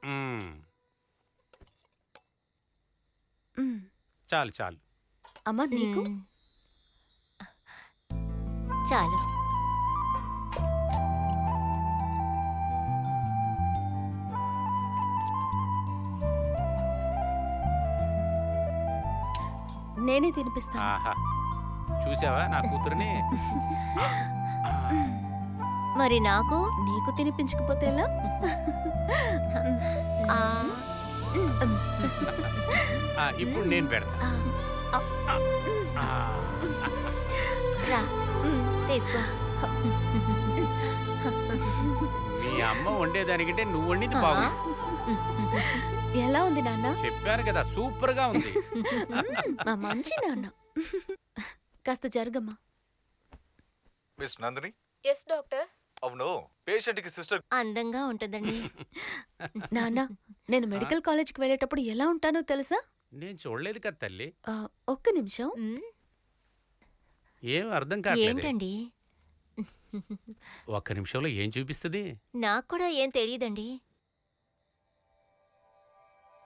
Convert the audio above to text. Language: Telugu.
చాలు చాలు. అమ్మా నీకు చాలు. నేనే తినిపిస్తాను. ఆహా, చూసావా నా కూతురుని? మరి నాకు నీకు తినిపించకపోతే ఎలా? ఆ, ఇప్పుడు నేను పెడతా. రా తీసుకో. మీ అమ్మ వండేదానికంటే నువ్వు వండింది బాగుంది. ఎలా ఉంది నాన్న? చెప్పాను కదా, సూపర్ గా ఉంది. మా మంచి నాన్న. కాస్త జరగమ్మా. మిస్ నందిని. Yes doctor. అవును, పేషెంట్ కి సిస్టర్ అందంగా ఉంటుందండి. నాన్న, నేను మెడికల్ కాలేజ్కి వెళ్ళేటప్పుడు ఎలా ఉంటానో తెలుసా? నేను చూడలేదు కదా తల్లి. ఒక్క నిమిషం. ఏం అర్థం కావట్లేదు. ఏంటండి? ఒక్క నిమిషంలో ఏం చూపిస్తుంది? నాకు కూడా ఏం తెలియదండి.